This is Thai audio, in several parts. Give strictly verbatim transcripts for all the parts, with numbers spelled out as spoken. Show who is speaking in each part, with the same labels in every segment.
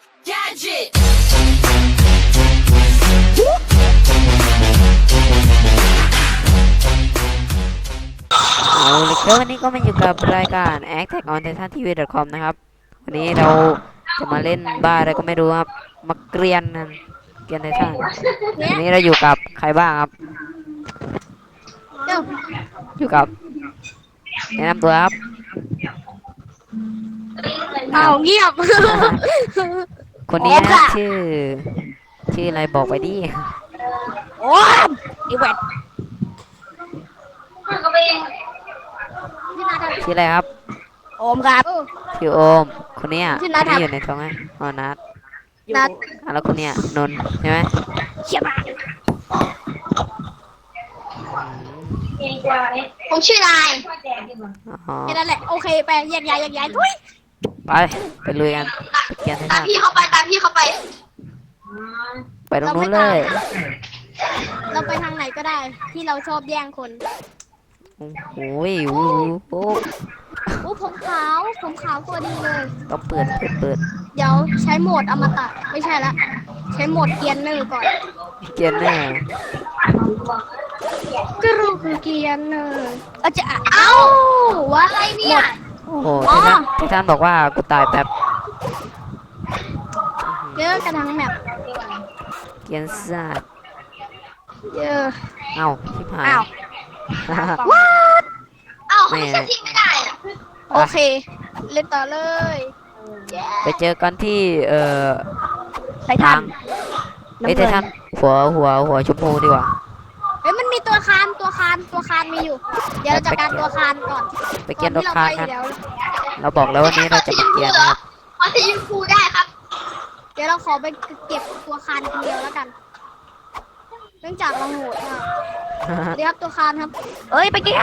Speaker 1: Gadget
Speaker 2: เอาเลยครับวันนี้ก็มาอยู่กับรายการ แอค แท็ก ออน ไททัน ที วี ดอท คอม นะครับวันนี้เราจะมาเล่นบ้าอะไรก็ไม่รู้ครับมาเกรียนนั่นเกรียนไททันวันนี้เราอยู่กับใครบ้างครับอยู่กับแนะนำตัวครับ
Speaker 3: เอาเงียบ
Speaker 2: คนนี้นะชื่อชื่ออะไรบอกไปดิ
Speaker 3: โอ้ยอีเวท
Speaker 2: ชื่ออะไรครับ
Speaker 3: โอมครับ
Speaker 2: ชื่อโอมคนเนี้ย
Speaker 3: ชื่อ
Speaker 2: ค
Speaker 3: นั
Speaker 2: น
Speaker 3: ทครับ
Speaker 2: นี้อยู่ในท้องไงอ๋อนัท
Speaker 3: นัด
Speaker 2: อ่ะแล้วคนเนี้ยนนท์ใช่ไหม
Speaker 3: เขียบมา
Speaker 1: ผมชื่อนาย
Speaker 2: อ๋อ
Speaker 3: แค่นั้นแหละโอเคไปแยกย้ายแยกย้ายทุย
Speaker 2: ไปไปลุยกันไปเกรียนไท
Speaker 1: ตา
Speaker 2: ทั
Speaker 1: ม
Speaker 2: น
Speaker 1: พี่เข้าไปตามพี่เข้าไป
Speaker 2: ไปตรงนู้นเลย
Speaker 3: เราไปทางไหนก็ได้ ที่เราชอบแย่งคน
Speaker 2: โอ้โหโอ้โห
Speaker 3: โอ้ผมขาวผมขาวตัวดีเลย
Speaker 2: ต้องเปิดเปิดเปิด
Speaker 3: เดี๋ยวใช้โหมดอมตะไม่ใช่ละใช้โหมดเกียร์เนอร์ก่อน
Speaker 2: เกียนแน่
Speaker 3: ก็รู้คือเกียร์เนอร์เอาจะเอ้าว่าอะไรเนี่ย
Speaker 2: โอ้โหไททันไททันบอกว่ากูตายแป๊บ
Speaker 3: เยอะกันทั้งแมป
Speaker 2: เกียนสัตว์
Speaker 3: เยอะ
Speaker 2: เอ้าชิบหาย
Speaker 3: อ้าว
Speaker 1: เอ้าเขาไม่ใช่ทิ้งไม่ได้อะ
Speaker 3: โอเค เล่นต่อเลย
Speaker 2: ไปเจอกันที่เอ่อ
Speaker 3: ไททัน
Speaker 2: ไอ้ยไททันหัวหัวหัวชมพูดีกว่า
Speaker 3: เฮ้ยมันมีตัวคานตัวคานตัวคานมีอยู่ เดี๋ยวเราจัดการตัวคานก่อน
Speaker 2: ไปเกียนรถ
Speaker 3: ที่
Speaker 2: คาน
Speaker 3: เรา
Speaker 2: กัน
Speaker 3: ไปเดี๋ยว
Speaker 2: เราบอกแล้ววันนี้เราจะมาเกียนนะครับ
Speaker 1: ขอสีชมพูได้ครับ
Speaker 3: เดี๋ยวเราขอไปเก็บตัวคานคนเดียวแล้วกัน เนื่องจากเราโหดมากเดี๋ยวครับตัวคานครับ เอ้ยไปกิน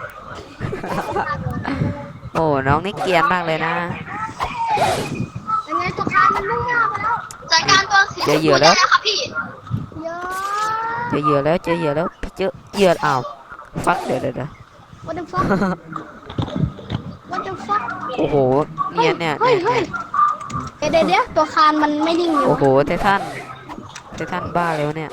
Speaker 2: โอ้น้องนี่เกียนมากเลยนะ
Speaker 3: ยังไงตัวคานมันมุ่งหน้าไปแล้ว
Speaker 1: จัดการตัวสีชม
Speaker 2: เจอเหยื่
Speaker 1: พู
Speaker 2: อแล้
Speaker 1: ได้
Speaker 2: ว
Speaker 1: แล้วครับพี่
Speaker 3: เยอะ
Speaker 2: เจอเหยื่อแล้วเจอเหยื่อแล้วพี่เจอเหยื่ออ้าวฟักเดี๋ยวเดี๋ยวเดี๋ยว
Speaker 3: what the fuck what the fuck
Speaker 2: โอ้โหเนียนเนี่ย
Speaker 3: เฮ้ย
Speaker 2: เนี่ย
Speaker 3: เฮ้ยเดี๋ยวเดี๋ยวเดี๋ยวตัวคานมันไม่นิ่งอยู่
Speaker 2: โอ้โหไททันไททันบ้าแล้วเนี่ย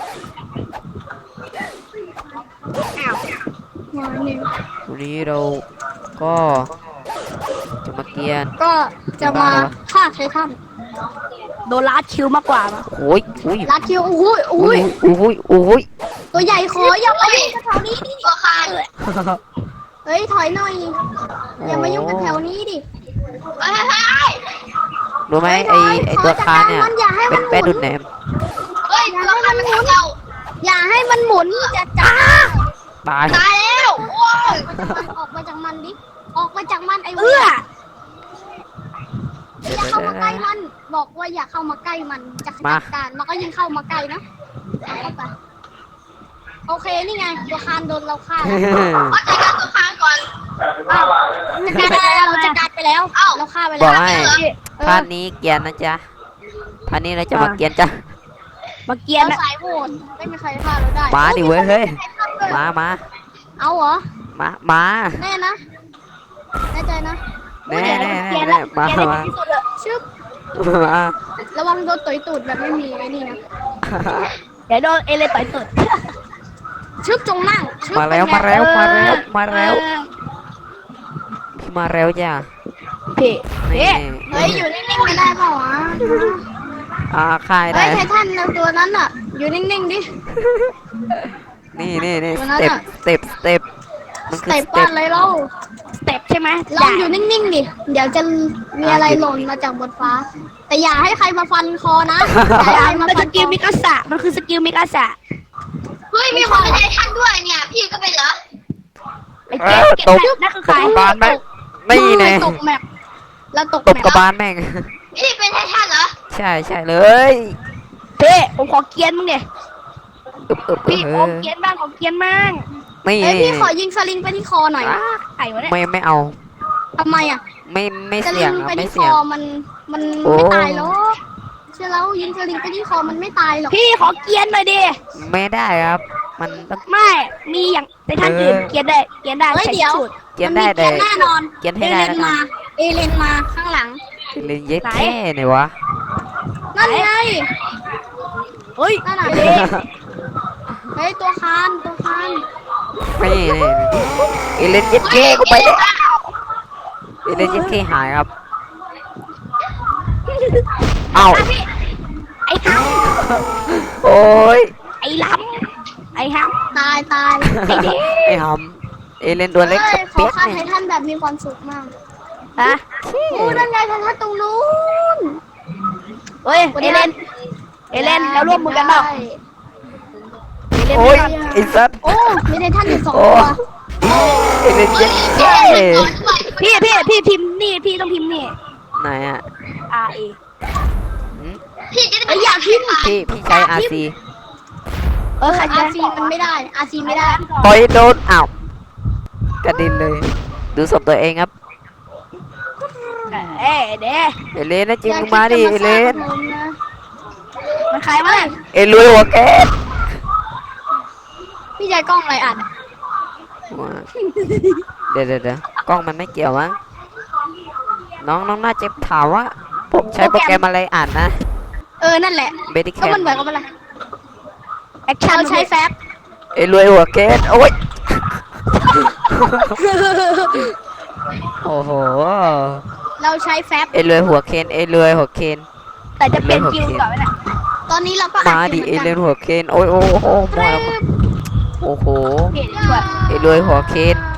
Speaker 3: อ้าวมาหนึ่ง
Speaker 2: วันนี้เราก็จะมาเกียน
Speaker 3: ก็จะมาฆ่าไททันโดนลาดคิวมากกว่ามั้ย
Speaker 2: โอ้ยโอ้ย
Speaker 3: ลาดคิวโอ้ยโอ้
Speaker 2: โอ้
Speaker 3: ย
Speaker 2: ยโอ้ยโอ้ย
Speaker 3: ตัวใหญ่ขออย่ามายุ่งกับแถวนี้ดิ
Speaker 1: ตัวคาน
Speaker 3: เฮ้ยถอยหน่อย อย่ามายุ่งกับแถวนี้ดิ
Speaker 1: เฮ้ยเฮ้ย
Speaker 2: รู้ไหมไอไอตัวคานเนี่ยเป็นแป้ดุดแหนม
Speaker 1: เฮ้ยตัวคานมันทำเรา
Speaker 3: อย่าให้มันหมุนจะจ้า
Speaker 2: ตาย
Speaker 1: ตายแล้วโอ้ย
Speaker 3: ออกมาจากมันดิ ออกมาจากมันไอ้เว้ยอย่าเข้ามาใกล้มัน บอกว่าอย่าเข้ามาใกล้มันจะจัดการมันก็ยิ่งเข้ามาใกล้นะเอาเข้าไปโอเคนี่ไงตัวคานโดนเราฆ่าแล้ว
Speaker 1: เอาจัดการตัวคานก่อน
Speaker 3: อ้าวจัดการไปแล้วเราจัดการไปแล้ว
Speaker 1: เอ้า
Speaker 3: เราฆ่าไป
Speaker 2: บ
Speaker 3: แล้
Speaker 2: อก
Speaker 3: ว
Speaker 2: ให้
Speaker 3: เออ
Speaker 2: ท่านนี้เกียนนะจ๊ะท่านนี้เราจะมาเกียนจ้ะ
Speaker 3: มาเกียนสายโหดไม่มีใครฆ่าเราได้
Speaker 2: มาดิเว้ยเฮ้ยมามา
Speaker 3: เอาเหรอ
Speaker 2: มามา
Speaker 3: แน่นะแน่ใจนะ
Speaker 2: แน่แน่แน่แน่มามา
Speaker 3: ชึบ
Speaker 2: มา
Speaker 3: ระวังโดนต่อยตูดแบบไม่มีไอ้นี่นะ
Speaker 4: เดี๋ยวโดนเอเลยต่อยตุด
Speaker 3: ชึบจงนั่งชึบ
Speaker 2: มาแล้ว
Speaker 3: เป็นไง
Speaker 2: มาแล้วมาแล้วมาแล้ว
Speaker 3: เออ
Speaker 2: พี่มาแล้วจ้ะ
Speaker 4: พี่
Speaker 2: นี่
Speaker 3: เฮ้ยอยู่นิ่งๆไม่ได้เปล่าวะ
Speaker 2: อ่าค่าย
Speaker 3: เฮ้
Speaker 2: ได้
Speaker 3: ยไททันนะตัวนั้นอ่ะ อยู่นิ่งๆดิ
Speaker 2: นี่นี่นี่
Speaker 3: ตัว
Speaker 2: ส
Speaker 3: นั้น
Speaker 2: เต็ป
Speaker 3: อะ
Speaker 2: สเต็ปสเต็ปมันคือ
Speaker 3: เตะ
Speaker 2: ส
Speaker 3: ป้า
Speaker 2: เต็ป
Speaker 3: นเลยเรา
Speaker 4: สเต็ปใช่ไหม
Speaker 3: ลองอยู่นิ่งๆดิ เดี๋ยวจะมีอะไรหล่นมาจากบนฟ้า แต่อย่าให้ใครมาฟันคอนะอย่าให้ใครมา
Speaker 4: มัน
Speaker 3: ฟั
Speaker 4: ส
Speaker 3: นค
Speaker 4: กิล
Speaker 3: อ
Speaker 4: มิกาสะมันคือสกิลมิกาสะ
Speaker 1: เฮ้ยมีคนเป็นไททันด้วยเนี่ยพี่ก็เป็นเหรอ
Speaker 4: ไปเก็บเก็บแบบนั่นคือ
Speaker 2: ต
Speaker 4: ใคร
Speaker 2: กบานแม่งนี่ไง
Speaker 3: ตกแมปแล้วตก
Speaker 2: ต
Speaker 3: แม
Speaker 2: บ
Speaker 3: ป
Speaker 2: กระบาลแม่ง
Speaker 1: พี่เป็นไททันเหรอ
Speaker 2: ใช่ใช่เลย
Speaker 4: เพ่ผมขอเกียนมึงเดีย
Speaker 2: อึบอึบ
Speaker 4: พี่
Speaker 2: เอ
Speaker 4: ผ
Speaker 2: อ
Speaker 4: มเกียนบ้างผมเกียนบ้าง
Speaker 2: ไม่
Speaker 3: เอ้ยพี่ขอยิงสลิงไปที่คอหน่อย
Speaker 4: ไอ้วะเนี่ย
Speaker 2: ไม่ไม่เอา
Speaker 3: ทำไมอ่ะ
Speaker 2: ไม่ไม่
Speaker 3: สลิ
Speaker 2: เสี่ยง
Speaker 3: ง
Speaker 2: ครับ
Speaker 3: ไป
Speaker 2: ไม่
Speaker 3: ที่ค
Speaker 2: เสี่ย
Speaker 3: อง มันมัน
Speaker 2: โอ้
Speaker 3: ไม่ตายหรอกเชื่อแล้วยิงสลิงไปที่คอมันไม่ตายหรอก
Speaker 4: พี่ขอเกียนหน่อยดิ
Speaker 2: ไม่ได้ครับ มันต้อง
Speaker 4: ไม่มีอย่างในท่านอื่นเกียนได้เกียนได้
Speaker 3: เฮ้ย
Speaker 4: ใช้
Speaker 3: เดี๋ยว
Speaker 4: สูตร
Speaker 2: เกียน
Speaker 3: มั
Speaker 2: ได้
Speaker 3: มี
Speaker 2: แต่
Speaker 3: เกียร์แน่นอน
Speaker 2: เกียน
Speaker 3: เอ
Speaker 2: ให้
Speaker 3: เล
Speaker 2: ได้
Speaker 3: น
Speaker 2: แล้วกั
Speaker 3: มาน เอเลนมาข้างหลัง
Speaker 2: เล่นเย็ดแค่ไหนวะ
Speaker 3: นั่นไง
Speaker 4: เฮ้ย
Speaker 3: นั่นน่ะ
Speaker 4: เด็ก
Speaker 3: เฮ้ยตัวคานตัวคาน
Speaker 2: นี่นี่เอเลนเจ็ดเคกูไปแล้วเอเลนเจ็ดเคหายครับเอ้า
Speaker 4: ไอ้ห
Speaker 2: โอ้ย
Speaker 4: ำไอ้ล้ำไอ้ห
Speaker 3: ตายตาย
Speaker 4: ำไอ้เด็ก
Speaker 2: ไอ้หำเอเลนตัวเล็ก
Speaker 3: เฮ้
Speaker 2: กั
Speaker 3: ย
Speaker 2: บ
Speaker 3: ขอ
Speaker 2: เปียก
Speaker 3: ฆ่าไท
Speaker 2: เนี่ย
Speaker 3: ทันแบบมีความสุขมาก
Speaker 4: ฮะ
Speaker 3: โอ้นั่นไงไททันตรงนู้น
Speaker 4: เฮ้ยเอเลนเอเลนเราร่วมมือกันเปล่า
Speaker 3: ได้
Speaker 4: เอเลน
Speaker 2: โอ้ยไอ้สัตว์
Speaker 3: โอ้มีไททันอยู่สอง
Speaker 2: โอ้
Speaker 3: ตัว
Speaker 2: เอเลนเจ็ดเค
Speaker 4: พี่พี่พี่พิมพ์นี่พี่ต้องพิมพ์นี่
Speaker 2: ไหนอ่ะ
Speaker 4: R A
Speaker 2: หืม
Speaker 1: พี่จะได้
Speaker 3: เอ้ยอยากพิมพ์
Speaker 2: พี่พี่ใช้ อาร์ ซี
Speaker 4: เออใคร
Speaker 3: อา
Speaker 4: จะ
Speaker 3: ร์ซีมันไม่ได้อาร์ซีไม่ได้
Speaker 2: ต่อยโดนอ้าวกระดินเลย ดูศพตัวเองครับ
Speaker 4: เอ้ยเด็ก
Speaker 2: เอเลนนะจริงมึงมาดิเอเลน
Speaker 4: มันใครวะ
Speaker 2: เอลุยหัวแกส
Speaker 3: พี่ใจกล้องอะไรอ่าน
Speaker 2: เดี๋ยวเดี๋ยวเดี๋ยวกล้องมันไม่เกี่ยวมั้งน้องน้องน่าจะถามว่าผมใช้โปรแกรมอะไรอ่านนะ
Speaker 3: เออนั่นแหละ
Speaker 2: เบดิแค
Speaker 3: ก็
Speaker 2: ม
Speaker 3: มันเหมือนกับอะไร
Speaker 4: แอคชั่น
Speaker 3: เราใช้แฟบ
Speaker 2: เอลุยหัวแกสโอ้ยโอ้โห
Speaker 3: เราใช้แฟบ
Speaker 2: เอลุยหัวเคนเอลุยหัวเคน
Speaker 4: แต่จะเป็นคิวก่อนไหมน่ะ
Speaker 3: ตอนนี้เราก็
Speaker 2: มา
Speaker 3: อัด
Speaker 2: ดิ
Speaker 3: ยู่
Speaker 2: เอ
Speaker 3: หมืน
Speaker 2: ลุ
Speaker 3: กั
Speaker 2: ย
Speaker 3: น
Speaker 2: หัวเคนโอ้ยโอ้โหมาแล้วมาโอ้โห
Speaker 4: เห็นด้วย
Speaker 2: เอลุยหัวเคน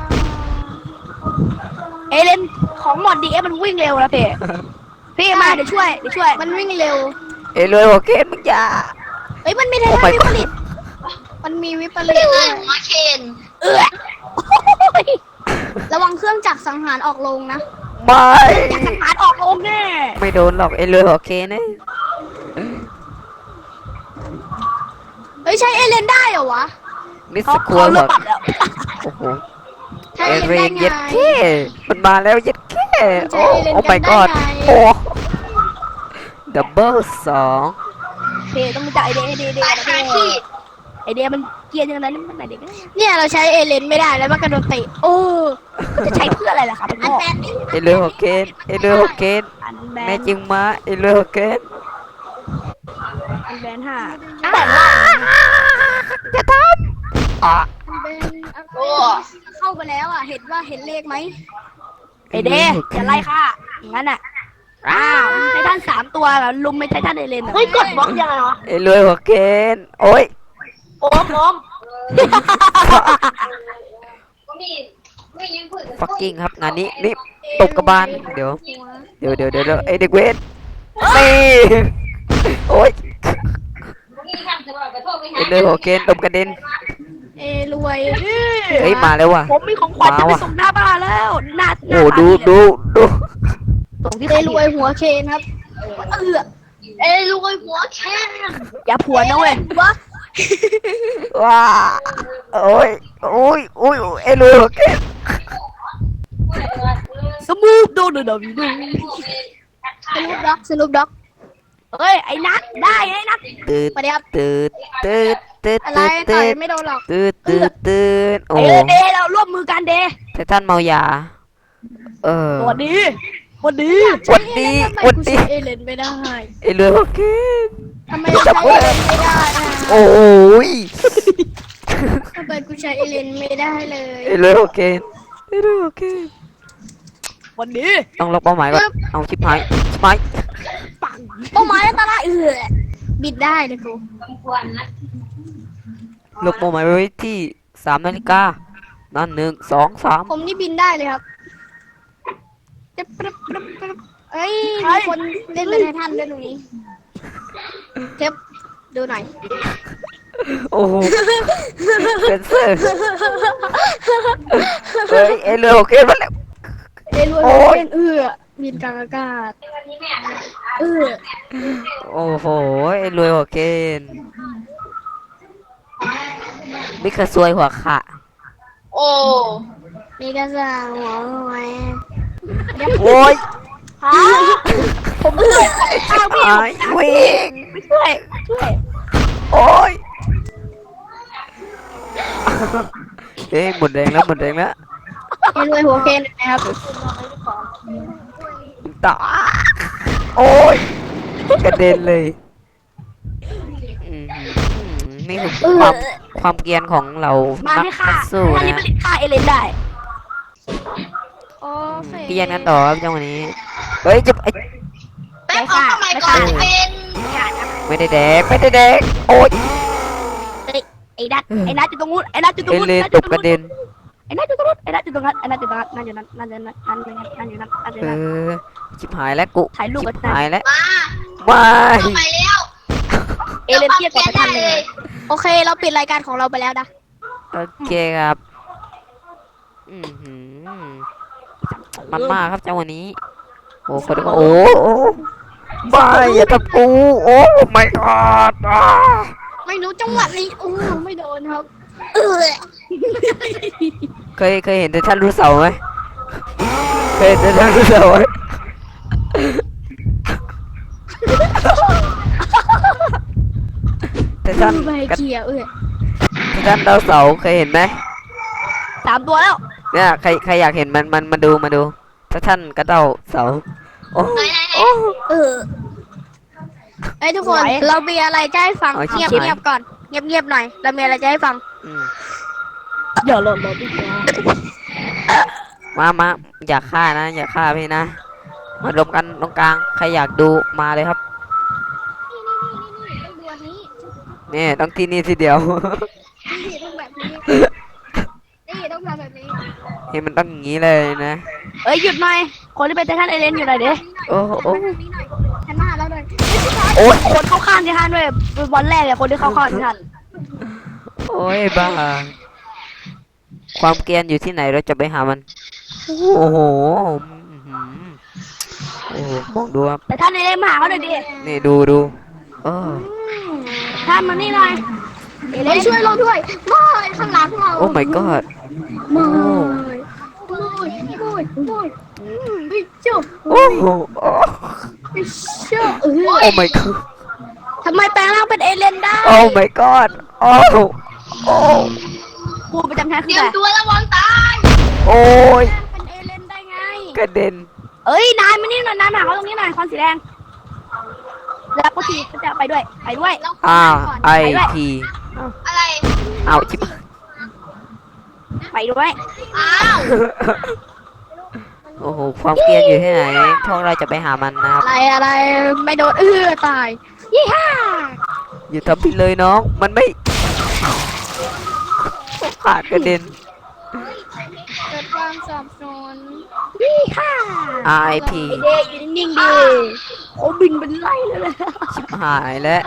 Speaker 4: เอเลนของหมดดีเอมันวิ่งเร็วนะพี่พี่มาเดี๋ยวช่วยเดี๋ยวช่วย
Speaker 3: มันวิ่งเร็ว
Speaker 2: เอลุยหัวเคนมึงอย่า
Speaker 3: เอ้ยมันมีไท
Speaker 2: โอ้
Speaker 3: ทัน
Speaker 2: my
Speaker 3: วิ
Speaker 2: god
Speaker 3: ปริตมันมีวิปริ
Speaker 1: พี่
Speaker 3: ต
Speaker 1: ว่าหัวเคน
Speaker 4: เออ
Speaker 3: ระวังเครื่องจักรสังหารออกลงนะ
Speaker 2: ไม่
Speaker 4: อยากสังหารออกลงแน่
Speaker 2: ไม่โดนหรอกเอลุยหัวเคนเนี่ย
Speaker 3: เฮ้ยใช้เอเลนได้เหรอวะ
Speaker 2: มิส
Speaker 4: เขา
Speaker 2: ครัว
Speaker 4: เขา
Speaker 2: หั
Speaker 4: เลิ
Speaker 2: ว
Speaker 4: กปรับแล้ว
Speaker 2: โอ้โห
Speaker 3: ใช้
Speaker 2: เอ
Speaker 3: เอ
Speaker 2: เร
Speaker 3: เลน
Speaker 2: น
Speaker 3: ได้
Speaker 2: เย็ด
Speaker 3: ไง
Speaker 2: แค่มันมาแล้วเย็ดแค่
Speaker 3: ใช้
Speaker 2: โอ้
Speaker 3: เอเลน
Speaker 2: โอ้
Speaker 3: กั
Speaker 2: my
Speaker 3: นได้
Speaker 2: god
Speaker 3: ไง
Speaker 2: โอ้ดับเบิลสอง
Speaker 4: พี่ต้องรู้จักไอเดียไอเดียไอเดีย
Speaker 1: ตาย
Speaker 4: นะ
Speaker 1: คา
Speaker 4: พี่
Speaker 1: ที่
Speaker 4: ไอเดียมันเกรียนอย่างนั้นมันไหนเด็ก
Speaker 3: เนี่ยเราใช้เอเลนไม่ได้แล้วมันกระโดดเตะโอ้
Speaker 4: จะใช้เพื่ออะไรล่ะครับ
Speaker 3: อัน
Speaker 4: พ่อ
Speaker 3: แบนนี่
Speaker 2: เอเลือหัวเกนเอเลือหัวเกน
Speaker 4: อันแบ
Speaker 2: แม่
Speaker 4: น
Speaker 2: จริงมาเอเลือหัวเกน
Speaker 4: อันแบนห้า
Speaker 3: แต่ว่า
Speaker 2: จะทำอ่ะ
Speaker 3: อันแบนเข้าไปแล้วอ่ะเห็นว่าเห็นเลขไหม
Speaker 4: ไอเดียอย่าไล่ค่ะอย่างนั้นอ่ะอ้าวไททันสามตัวแบบลุมไม่ไททันเอเลนเฮ้ยกดบล็อกยังไงวะ
Speaker 2: เอเลือหัวเกนโอ้ย
Speaker 4: โอ้มโอม
Speaker 2: ฟักกิ้งครับงานนี้นี่ตบกระบาลเดี๋ยวเดี๋ยวเดี๋ยวเดี๋ยวเดี๋ยวไอเด็กเวทนี่โอ้ยเอเลือหัวเกนตบกระเด็น
Speaker 3: เอรวย
Speaker 2: เฮ้ยมาแล้วว่ะ
Speaker 4: ผมมีของขวัญจะไป
Speaker 2: มาว่ะ
Speaker 4: ส่งหน้าบ้านแล้วหน้าหน้า
Speaker 2: โอ้ดูดูดู
Speaker 4: ส่งที่
Speaker 3: เอรวยหัวเคนครับเออ
Speaker 1: เอ้รวยหัวเคน
Speaker 4: อย่าผัวนะเว้ย
Speaker 3: วะ
Speaker 2: ว้าโอ้ยโอ้ยโอ้ยเอเลือหัวเกน
Speaker 4: สมูทโดนเดวิด
Speaker 3: สรุปด็อกสรุปด็อก
Speaker 4: เฮ้ยไอ้นัทได้ไอ้นัท
Speaker 2: ตืด
Speaker 3: มาเดี๋ยว
Speaker 2: ตืดตืดตืด
Speaker 3: อะไร
Speaker 2: ตืด
Speaker 3: ต่อ
Speaker 2: ตื
Speaker 3: ย
Speaker 2: ด
Speaker 3: ไม่โดนหรอก
Speaker 2: ตืดตืดตืดโอ้
Speaker 4: เออเดเราร่วมมือกันเด
Speaker 2: ไททันเมายาเออ
Speaker 4: สวัสดีสวัสดี
Speaker 2: วันดี
Speaker 3: ทำไม
Speaker 2: วัน
Speaker 3: กู
Speaker 2: ดี
Speaker 3: ใช้เอเลนไม่ได้
Speaker 2: เอเลือหัวเกน
Speaker 3: ทำไมกูใช้เอเลนไม่ได้อะ
Speaker 2: โอ้ย
Speaker 3: ทำไมกูใช้เอเลนไม่ได้เลย
Speaker 2: เอเลือหัวเกนเอเลือหัวเกน
Speaker 4: วันดี
Speaker 2: ต้องล็อกเป้าหมายก่อนเอาชิปหายชิปหาย
Speaker 4: ปัง
Speaker 3: เป้าหมายอันตรายเออบิดได้เลยกู
Speaker 2: ล็อกเป้าหมายไว้ที่สามนาฬิกานั่นหนึ่งสองสาม
Speaker 3: ผมนี่บินได้เลยครับจะปรึบปรึบปรึบเอ้ยมีคนเล่นเป็นไททันด้วยตรงนี้เทปดูหน่อย
Speaker 2: โอ้โหเซนเซอร์เฮ้ยเอเลือหัวเกนมาแล้ว
Speaker 3: เอรวย
Speaker 2: โอ้ย
Speaker 3: เป็นเอือบินกลางอากาศเออ
Speaker 2: โอ้โหเอเลือหัวเกนมิกาซวยหัวขะ
Speaker 1: โอ้
Speaker 3: มีกระสังหัวหอย
Speaker 2: โอ้ย
Speaker 3: ฮะ
Speaker 4: ผมช่วยข้าวพี่
Speaker 2: ไอ้วิ่ง
Speaker 4: ไม่ช่วยช่วย
Speaker 2: โอ้ยเอ้ยหมดแรงแล้วหมดแรงแล้ว
Speaker 3: เอรวยหัวเคนนะครับ
Speaker 2: ตาโอ้ยกระเด็นเลยอืมนี่คือความความเกรียนของเรา
Speaker 4: มา
Speaker 2: นัก
Speaker 4: ให้ฆ่า
Speaker 2: สู้
Speaker 4: ท่านนี้
Speaker 2: นะ
Speaker 4: ผลิตฆ่าเอเลนได้
Speaker 3: โอเค
Speaker 2: เกรียนกันต่อครับจังหวะนี้เฮ้ยจะไอ้
Speaker 1: แป๊บของสมัยก่อนเป็น
Speaker 2: ไม่ได้แดกไม่ได้แดกโอ๊ย
Speaker 4: ไอ้นัทไอ้นัทอยู่ตรงนู้นไอ้นัทอยู่ตรง
Speaker 2: เอ
Speaker 4: นู้น
Speaker 2: เลน
Speaker 4: ไอ้นัท
Speaker 2: ต
Speaker 4: อยู่
Speaker 2: ก
Speaker 4: ตรง
Speaker 2: กระ
Speaker 4: นู้น
Speaker 2: เด็น
Speaker 4: ไอ้นัทอยู่ตรงนู้นไอ้นัทอยู่ตรงนั้นไอ้นัทอยู่ตรงนั้นนั่นอยู่นั้นนั่นอยู่นั้นนั่นอยู่นั้นนั่นอยู่นั้นนั่นอยู่
Speaker 2: เอ
Speaker 4: นั้น
Speaker 2: อชิบหายแล้วกู
Speaker 4: ถ่ายรูป
Speaker 2: ชิ
Speaker 4: กับ
Speaker 2: บหายแล้ว
Speaker 1: มา
Speaker 2: ไม่
Speaker 1: เข้าไปแล้ว
Speaker 4: เอเลนเทียบกับท่านเลย
Speaker 3: โอเค เราปิดรายการของเราไปแล้วนะ
Speaker 2: โอเคครับอือหือมันมากครับจังหวะนี้โอ้คนก็โอ้โอ้ไม่อย่าทำกูโอ้ไม่กอดอ่ะ
Speaker 3: ไม่รู้จังหวะนี้อู้ไม่โดนครับ เออ
Speaker 2: เคยเคยเห็นแต่ท่านรู้เสาไหมเคยเห็นแต่ท่านรู้เสาไหมแต่ท่าน
Speaker 3: ไม่ให้
Speaker 2: กระ
Speaker 3: เกียร์เออ
Speaker 2: แต่ท่านดาวเสาเคยเห็นไหม
Speaker 4: สามตัวแล้ว
Speaker 2: เนี่ยใครใครอยากเห็นมันมันมาดูมาดู ถ้าท่านกระเดาเสาโอ้
Speaker 1: ไหนไหนไหน
Speaker 2: โอ้
Speaker 3: เออไอ้ยทุกคน เรามีอะไรจะให้ฟัง
Speaker 2: เอาชิบ
Speaker 3: เงียบ
Speaker 2: หาย
Speaker 3: เงียบก่อน เงียบเงียบหน่อย เรามีอะไรจะให้ฟัง
Speaker 2: อืม
Speaker 4: อย่าหล่นหล่นดิ
Speaker 2: มามาอย่าฆ่านะ อย่าฆ่าพี่นะ มารวมกันตรงกลาง ใครอยากดูมาเลยครับ
Speaker 3: นี่นี่นี่นี่ต้องดูอันนี้
Speaker 2: นี่ต้องที่นี่ทีเดียว
Speaker 3: นี่ต้องแบบนี้ นี่ต้องทำแบบนี้
Speaker 2: นี่มันต้องอย่างนี้เลยนะ
Speaker 4: เอ้ยหยุดหน่อยคนที่เป็นไททันเอเลนอยู่ไหนเด้
Speaker 2: โอ้โอ้
Speaker 3: แบบนี้หน่อยฉันมาแล้วเลย
Speaker 2: โอ้ย
Speaker 4: คนเข้าข้างที่ท่านด้วยบอลแรกเลยคนที่เข้าข้างที่ท่าน
Speaker 2: โอ้ยบ้า ความเกรียนอยู่ที่ไหนเราจะไปหามัน โอ้โหอื้อหือโอ้โหมองดูครับ
Speaker 4: แต่ท่านเอเลนมาหาเขาหน่อยดิ
Speaker 2: นี่ดูดูเออ
Speaker 4: ท่านมานี่หน่อยเอเล
Speaker 3: เฮ้ย
Speaker 4: น
Speaker 3: ช่วยเราด้วยไม่ข้างหลังเรา
Speaker 2: โอ้ my god
Speaker 3: ไม่ไม่ไม่ไม่ไม่จุ๊บ
Speaker 2: โอ้โหโอ้
Speaker 3: ไม่เชื่อเออ
Speaker 2: โอ้ my god
Speaker 3: ทำไมแปลงร่างเป็นเอเลนได้
Speaker 2: โอ้ my god โอ้โอ้
Speaker 4: ครูประจำชั้น
Speaker 1: เต
Speaker 4: คื
Speaker 1: รี
Speaker 4: อย
Speaker 1: ม
Speaker 4: อะไร
Speaker 1: ตัวระวังตาย
Speaker 2: โอ้ย
Speaker 3: เป็นเอเลนได้ไง
Speaker 2: กระเด็น
Speaker 4: เอ้ยนายมานี่หน่อยนายมาหาเขาตรงนี้หน่อยคอนสีแดงแล้วก็ทีก็จะไปด้วยไปด้วย
Speaker 3: เรา
Speaker 2: อ่า
Speaker 3: ก่อน
Speaker 2: ไอพี
Speaker 1: อะไร
Speaker 2: เอาชิบ
Speaker 4: ไปด้วย
Speaker 1: อ้าว
Speaker 2: โอ้โหความเกรียนอยู่ที่ไหนพวกเราจะไปหามันนะครับ
Speaker 3: อะไรอะไรไม่โดนเออตายยี่ห้า
Speaker 2: อย่าทำผิดเลยน้องมันไม่ขาดกระเด็น
Speaker 3: เกิดความสับสนยี่ห้า
Speaker 2: อาร์ ไอ พี
Speaker 4: เดย์อยู่นิ่งๆดิเขาบินเป็นไล่เลยเลย
Speaker 2: ชิบหายแล้ว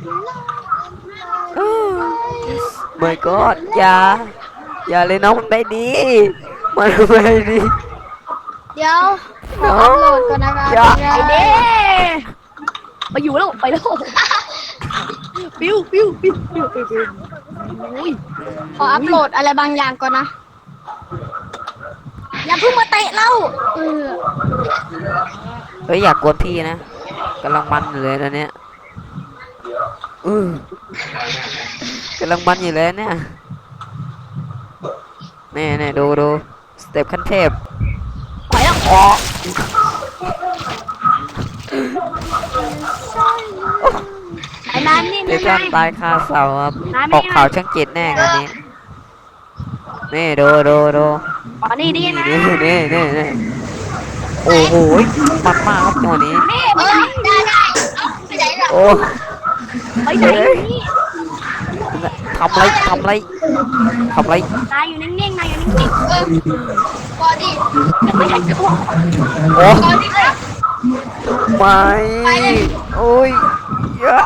Speaker 2: ไม่ก็อย่า อย่าเลยน้องมันไม่ดี มันไม่ดี
Speaker 3: เดี๋ยวขออัพโหลดก่อนนะคะ
Speaker 2: อย่า
Speaker 4: ไอเดย์ไปอยู่แล้วไปแล้วปิ้วปิ้วปิ้วปิ้วปิ้วปิ้วอุ้ย
Speaker 3: ขออัพโหลดอะไรบางอย่างก่อนนะ อย่าเพิ่งมาเตะเราเออ
Speaker 2: เฮ้ยอยากกวนพี่นะกำลังมันอยู่เลยตอนเนี้ยอือกำลังมันอยู่เลยเนี่ยแน่แน่ดูดูสเต็ปขั้นเทพ
Speaker 4: ไปแล้ว
Speaker 2: อ๋อ
Speaker 4: ไอ้นายนี่
Speaker 2: เดี๋ยว
Speaker 4: นา
Speaker 2: ท่าย นตายคาเสาครับ
Speaker 4: น้ำไม่
Speaker 2: ออกข่าวช่างเจ็ดแน่งานนี้นี่ดูดูดู
Speaker 4: อ๋อนี่ดีนะ
Speaker 2: นี่นี่นี่นี่โอ้โหมันมากครับตัวนี้
Speaker 4: นี่
Speaker 1: เอ
Speaker 4: ไป
Speaker 1: อ
Speaker 4: ไหน
Speaker 1: ได้ได้ไปไหนล่ะ
Speaker 2: โอ้
Speaker 4: ไปไหนนี่
Speaker 2: ทำไรทำไรทำไร
Speaker 4: นายอยู่นิ่งๆนายอยู่นิ่ง
Speaker 1: เออพอดี
Speaker 4: ๆไม่ใช่ตัว
Speaker 2: โอ้
Speaker 1: พอดีครับ
Speaker 2: ไม่โอ้ยเยอะ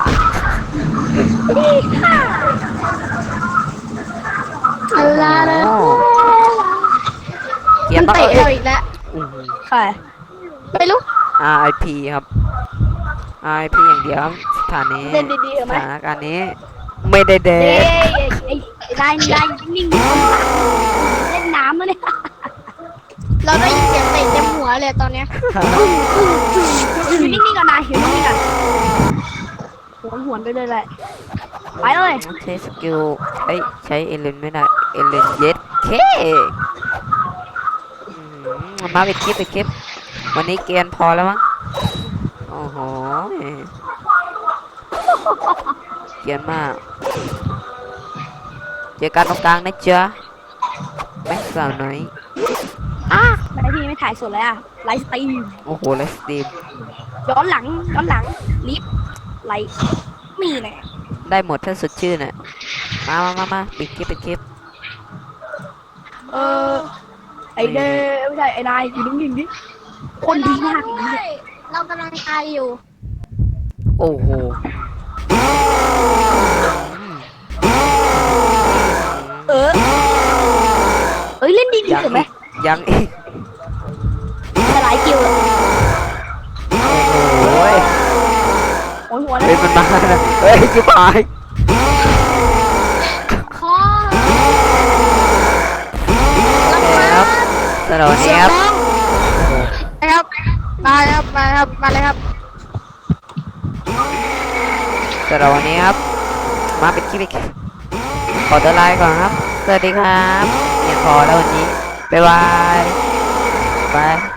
Speaker 3: อะไรนะ
Speaker 2: โอ้เกีย
Speaker 3: มัน
Speaker 2: ร์ต้อง
Speaker 3: เตะเราอีกแล้ว
Speaker 4: ใคร
Speaker 3: ไม่รู้
Speaker 2: อาร์ ไอ พี ครับ อาร์ ไอ พี อย่างเดียวครับสถานนี้
Speaker 4: เล่นดีๆ
Speaker 2: ส
Speaker 4: เอาไหม
Speaker 2: ถานการณ์นี้ ไม่ได้เด็
Speaker 4: เอ้
Speaker 2: ก
Speaker 4: ยไอ้ไอ้นายนายนิ่งๆเล่นน้ำแล้วเนี่ย
Speaker 3: เราได้ยินเสียงเตะเต็มหัวเลยตอนเนี้ย
Speaker 4: อยู่นิ่งๆก่อนนายอยู่นิ่งๆก่อนหวนหวนๆไปเลยแหละไปเลย
Speaker 2: ใช้สกิลใช้ใช้เอเลนไม่ได้ เอเลนเย็ดเคอืมมาเป็นคลิปเป็นคลิป วันนี้เกียนพอแล้วมั้ง โอ้โหเกรียนมากเจอกันตรงกลางนะจ๊ะแม่สาวน้อย
Speaker 4: ทำไมพี่ไม่ถ่ายสดเลยอะไลฟ์สตรีม
Speaker 2: โอ้โหไลฟ์สตรีม
Speaker 4: ย้อนหลังย้อนหลังลิฟต์ไลฟ์มีแน่
Speaker 2: ได้หมดถ้าสดชื่นน่ะมามามามาปิดคลิปปิดคลิป
Speaker 4: เออไอเด้ไม่ใช่ไอนายอยู่นิ่งๆดิคนดีมากอย่างนี้
Speaker 3: เรากำลังตายอยู่
Speaker 2: โอ้โห
Speaker 4: เออเอ้ยเล่นดีดี
Speaker 2: ยัง
Speaker 4: ถูกไหม
Speaker 2: อีกยังอีก
Speaker 4: แต่หลายคิวเลย
Speaker 2: โอ้ย
Speaker 4: โอ้ยหัว
Speaker 2: เฮ้ยมันมาแล้วเฮ้ยจิ๋วหาย
Speaker 3: ขอ
Speaker 2: ครับสวัสดีครับ
Speaker 4: ครับมาครับมาครับมาเลยครับ
Speaker 2: สวัสดีครับมาเป็นคลิปอีกขอตัวลาไปก่อนครับสวัสดีครับอย่าพอแล้ววันนี้บ๊ายบายบาย